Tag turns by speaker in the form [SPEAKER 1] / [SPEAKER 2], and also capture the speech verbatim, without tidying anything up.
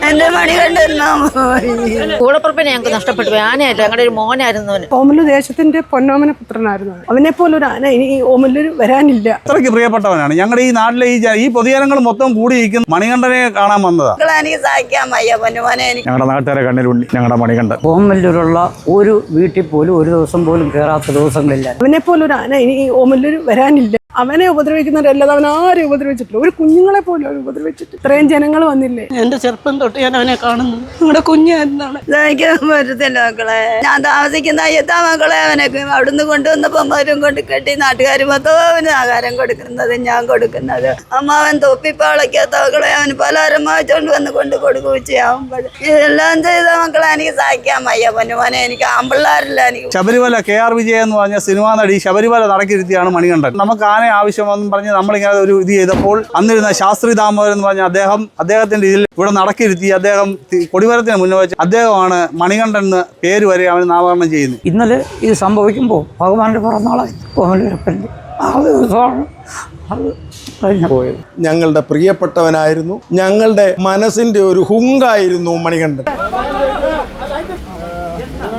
[SPEAKER 1] എന്റെ മണികണ്ഠൻ
[SPEAKER 2] കൂടപ്പുറപ്പിനെ ഞങ്ങൾക്ക് നഷ്ടപ്പെട്ടു. ആനയായിട്ട് ഞങ്ങളുടെ ഒരു മോനായിരുന്നു.
[SPEAKER 3] ഓമല്ലൂർ ദേശത്തിന്റെ പൊന്നോമന പുത്രനായിരുന്നു. അവനെ പോലൊരു ആന ഇനി ഓമല്ലൂർ വരാനില്ല.
[SPEAKER 4] അത്രയ്ക്ക് പ്രിയപ്പെട്ടവനാണ്. ഞങ്ങളുടെ ഈ നാട്ടിലെ ഈ ഈ പൊതുജനങ്ങൾ മൊത്തം കൂടിയിരിക്കുന്ന മണികണ്ഠനെ കാണാൻ വന്നതാ.
[SPEAKER 1] എനിക്ക് സഹിക്കാൻ വയ്യ പൊന്നുമോനെ.
[SPEAKER 4] ഞങ്ങളുടെ നാട്ടുകാരെ കണ്ണിലുണ്ടി ഞങ്ങളുടെ മണികണ്ഠൻ.
[SPEAKER 5] ഓമല്ലൂരുള്ള ഒരു വീട്ടിൽ പോലും ഒരു ദിവസം പോലും കയറാത്ത ദിവസങ്ങളില്ല.
[SPEAKER 3] അവനെ പോലൊരു ആന ഇനി ഓമല്ലൂർ വരാനില്ല. അവനെ ഉപദ്രവിക്കുന്നവരല്ലാതെ അവൻ ആരും ഉപദ്രവിച്ചിട്ടില്ല. ഒരു കുഞ്ഞുങ്ങളെ പോലും അവർ ഉപദ്രവിച്ചിട്ട് ഇത്രയും ജനങ്ങൾ വന്നില്ലേ.
[SPEAKER 6] എന്റെ ചെറുപ്പം തൊട്ട് ഞാൻ അവനെ കാണുന്നു. നിങ്ങളുടെ കുഞ്ഞായിരുന്നാണ്.
[SPEAKER 1] സഹിക്കാൻ പറ്റത്തില്ല മക്കളെ. ഞാൻ താമസിക്കുന്ന അയ്യത്താ മക്കളെ അവനൊക്കെ അവിടുന്ന് കൊണ്ടുവന്നപ്പോ അവരും കൊണ്ട് കെട്ടി നാട്ടുകാർ മൊത്തം അവന് ആഹാരം കൊടുക്കുന്നത് ഞാൻ കൊടുക്കുന്നത്. അമ്മാവൻ തൊപ്പിപ്പാളയ്ക്കാത്ത മക്കളെ അവന് പലഹാരം വാങ്ങിച്ചോണ്ട് വന്ന് കൊണ്ട് കൊടുക്കുകയും ചെയ്യാവുമ്പോൾ ഇതെല്ലാം ചെയ്ത മക്കളെ എനിക്ക് സഹിക്കാൻ വയ്യ പൊന്നുമോനെ. എനിക്ക് ആമ്പിള്ളാരില്ല. എനിക്ക്
[SPEAKER 4] ശബരിമല കെ ആർ വിജയ എന്ന് പറഞ്ഞ സിനിമാ നടി ശബരിമല നടക്കിരുത്തിയാണ് മണികണ്ഠൻ. നമുക്ക് ആന ആവശ്യമെന്ന് പറഞ്ഞ് നമ്മളിങ്ങനെ ഒരു ഇത് ചെയ്തപ്പോൾ അന്നിരുന്ന ശാസ്ത്രി ദാമോദരൻ എന്ന് പറഞ്ഞ അദ്ദേഹം അദ്ദേഹത്തിന്റെ ഇതിൽ ഇവിടെ നടക്കിരുത്തി അദ്ദേഹം കൊടിമരത്തിന് മുന്നേ വെച്ച് അദ്ദേഹമാണ് മണികണ്ഠൻ എന്ന് പേര് വരെ അവന് നാമകരണം ചെയ്യുന്നത്.
[SPEAKER 5] ഇന്നലെ ഇത് സംഭവിക്കുമ്പോൾ ഭഗവാന്റെ പിറന്നാളായി ഓമല്ലൂരപ്പൻ്റെ ആ ദിവസമാണ് അത് കഴിഞ്ഞു പോയത്.
[SPEAKER 7] ഞങ്ങളുടെ പ്രിയപ്പെട്ടവനായിരുന്നു. ഞങ്ങളുടെ മനസ്സിന്റെ ഒരു ഹുങ്കായിരുന്നു മണികണ്ഠൻ.